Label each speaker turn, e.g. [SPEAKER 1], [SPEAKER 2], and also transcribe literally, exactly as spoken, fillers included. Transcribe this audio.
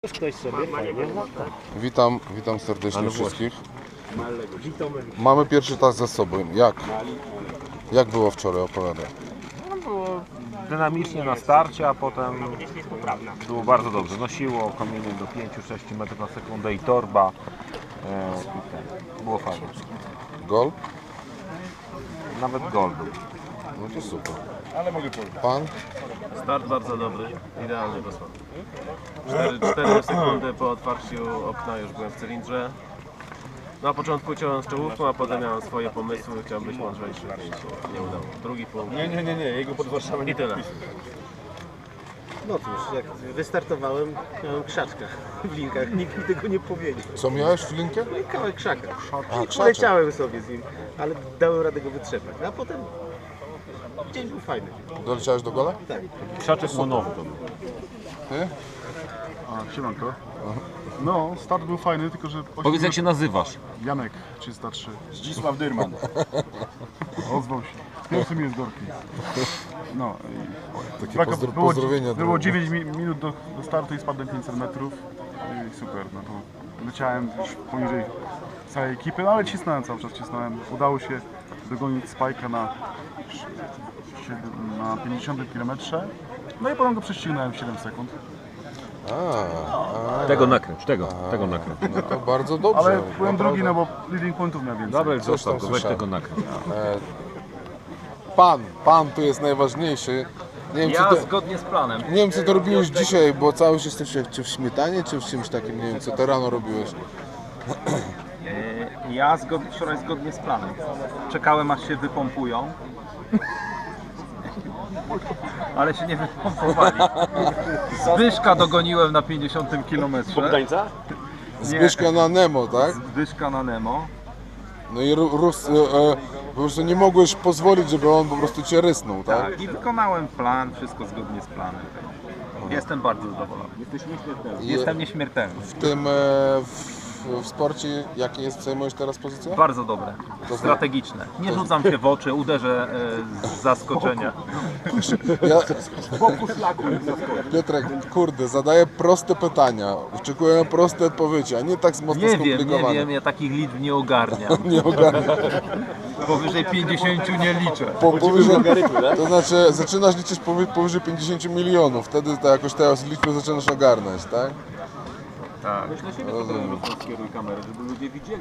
[SPEAKER 1] Ktoś sobie fajnie lata.
[SPEAKER 2] Witam, witam serdecznie wszystkich. Mamy pierwszy tas za sobą. Jak? Jak było wczoraj? Opowiadaj.
[SPEAKER 3] No, było dynamicznie na starcie, a potem było bardzo dobrze. Nosiło kominy do pięć do sześciu metrów na sekundę i torba. E, i ten. Było fajnie.
[SPEAKER 2] Gol?
[SPEAKER 3] Nawet gol był.
[SPEAKER 2] No to super. Pan?
[SPEAKER 4] Start bardzo dobry, idealny dosłownie. cztery sekundy po otwarciu okna już byłem w cylindrze. Na początku ciąłem z czołówką, a potem miałem swoje pomysły, chciałem być mądrzejszy, więc się nie udało. Drugi punkt.
[SPEAKER 1] Nie, nie, nie, nie, jego pod Warszawą
[SPEAKER 4] I tyle.
[SPEAKER 1] No cóż, jak wystartowałem, miałem krzaczka w linkach, nikt mi tego nie powiedział.
[SPEAKER 2] Co miałeś w linkę?
[SPEAKER 1] No i kawałek krzaka.
[SPEAKER 2] A,
[SPEAKER 1] I
[SPEAKER 2] krzaczek.
[SPEAKER 1] poleciałem sobie z nim, ale dałem radę go wytrzepać. A potem dzień był fajny.
[SPEAKER 2] Doleciałeś do gola?
[SPEAKER 1] Tak.
[SPEAKER 3] Krzaczek monowy to był.
[SPEAKER 2] Ty?
[SPEAKER 5] A, siemanko. No, start był fajny, tylko że...
[SPEAKER 3] Powiedz, jak się nazywasz?
[SPEAKER 5] Janek, trzysta trzy.
[SPEAKER 6] Zdzisław Dyrman.
[SPEAKER 5] Ozwał się. Pierwszy mi jest gorki. No i...
[SPEAKER 2] Takie
[SPEAKER 5] Braka-
[SPEAKER 2] pozdro
[SPEAKER 5] było,
[SPEAKER 2] pozdrowienia.
[SPEAKER 5] było
[SPEAKER 2] drogie.
[SPEAKER 5] dziewięć mi- minut do, do startu i spadłem pięćset metrów. I super, no to leciałem już poniżej całej ekipy, no ale cisnąłem cały czas, cisnąłem. Udało się dogonić Spike'a na, na pięćdziesiątym kilometrze. No i potem go prześcignąłem w siedem sekund.
[SPEAKER 2] A, a,
[SPEAKER 3] Tego nakręć, tego, tego nakręć.
[SPEAKER 2] no to bardzo dobrze.
[SPEAKER 5] Ale byłem
[SPEAKER 2] naprawdę.
[SPEAKER 5] drugi, no bo leading pointów miał więcej.
[SPEAKER 3] Dobra,
[SPEAKER 2] Coś
[SPEAKER 3] zostaw
[SPEAKER 2] tam
[SPEAKER 3] go, weź
[SPEAKER 2] słyszałem.
[SPEAKER 3] tego nakręć.
[SPEAKER 2] Pan, pan tu jest najważniejszy. Nie wiem,
[SPEAKER 4] Ja
[SPEAKER 2] co to,
[SPEAKER 4] zgodnie z planem.
[SPEAKER 2] nie wiem co to robiłeś dzisiaj, bo cały czas jesteś czy w śmietanie, czy w czymś takim, nie wiem co to rano robiłeś.
[SPEAKER 6] Ja zgod... wczoraj zgodnie z planem. Czekałem aż się wypompują. Ale się nie wypompowali. Zbyszka dogoniłem na pięćdziesiątym kilometrze.
[SPEAKER 1] Bogdańca?
[SPEAKER 2] Zbyszka na Nemo, tak?
[SPEAKER 6] Zbyszka na Nemo.
[SPEAKER 2] No i Ru- Rus, e, e, po prostu nie mogłeś pozwolić, żeby on po prostu cię rysnął, tak?
[SPEAKER 6] Tak, i wykonałem plan, wszystko zgodnie z planem. Jestem bardzo zadowolony.
[SPEAKER 2] I
[SPEAKER 6] Jestem nieśmiertelny.
[SPEAKER 2] w tym, e, w, w sporcie, jakie jest, zajmujesz teraz pozycję?
[SPEAKER 6] Bardzo dobre, strategiczne. Nie rzucam się w oczy, uderzę e, z zaskoczenia.
[SPEAKER 2] Ja, Piotrek, kurde, zadaję proste pytania, oczekuję na proste odpowiedzi, a nie tak mocno
[SPEAKER 6] Nie wiem, nie
[SPEAKER 2] skomplikowane.
[SPEAKER 6] wiem, ja takich liczb nie ogarniam.
[SPEAKER 2] Nie ogarnę.
[SPEAKER 6] Powyżej pięćdziesięciu nie liczę.
[SPEAKER 2] Po, powyżej, to znaczy, zaczynasz liczyć powy, powyżej pięćdziesięciu milionów, wtedy to jakoś te liczby zaczynasz ogarnąć, tak?
[SPEAKER 6] Tak.
[SPEAKER 2] Rozumiem.
[SPEAKER 4] Skieruj kamerę, żeby ludzie widzieli.